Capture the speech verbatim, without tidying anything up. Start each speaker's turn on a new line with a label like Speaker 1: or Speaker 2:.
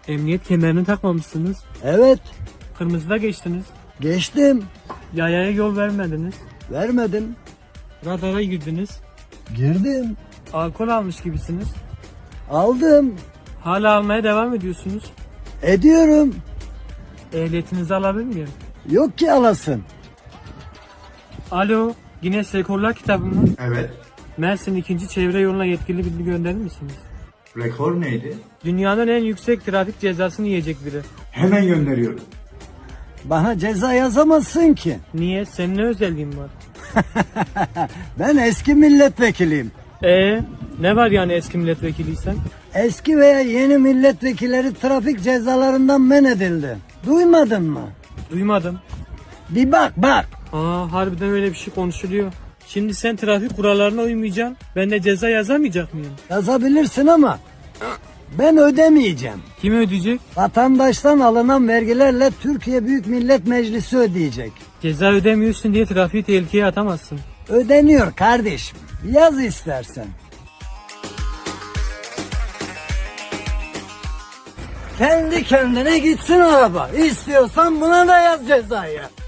Speaker 1: Emniyet kemerini takmamışsınız.
Speaker 2: Evet,
Speaker 1: Kırmızıda geçtiniz.
Speaker 2: geçtim.
Speaker 1: Yayaya yol vermediniz.
Speaker 2: Vermedim.
Speaker 1: Radara girdiniz.
Speaker 2: Girdim.
Speaker 1: Alkol almış gibisiniz.
Speaker 2: Aldım.
Speaker 1: Hala almaya devam ediyorsunuz.
Speaker 2: Ediyorum.
Speaker 1: Ehliyetinizi alabilir miyim?
Speaker 2: Yok ki alasın.
Speaker 1: Alo, Guinness Rekorlar kitabı mı?
Speaker 3: Evet.
Speaker 1: Mersin ikinci çevre yoluna yetkili bilgi gönderir misiniz?
Speaker 3: Rekor neydi?
Speaker 1: Dünyanın en yüksek trafik cezasını yiyecek biri.
Speaker 3: Hemen gönderiyorum.
Speaker 2: Bana ceza yazamazsın ki.
Speaker 1: Niye? Senin ne özelliğin var?
Speaker 2: Ben eski milletvekiliyim.
Speaker 1: Ee, ne var yani eski milletvekiliysen?
Speaker 2: Eski veya yeni milletvekilleri trafik cezalarından men edildi. Duymadın mı?
Speaker 1: Duymadım.
Speaker 2: Bir bak bak.
Speaker 1: Aa, harbiden öyle bir şey konuşuluyor. Şimdi sen trafik kurallarına uymayacaksın. Ben de ceza yazamayacak mıyım?
Speaker 2: Yazabilirsin ama ben ödemeyeceğim.
Speaker 1: Kim ödeyecek?
Speaker 2: Vatandaştan alınan vergilerle Türkiye Büyük Millet Meclisi ödeyecek.
Speaker 1: Ceza ödemiyorsun diye trafiği tehlikeye atamazsın.
Speaker 2: Ödeniyor kardeşim. Yaz istersen. Kendi kendine gitsin araba. İstiyorsan buna da yaz cezayı.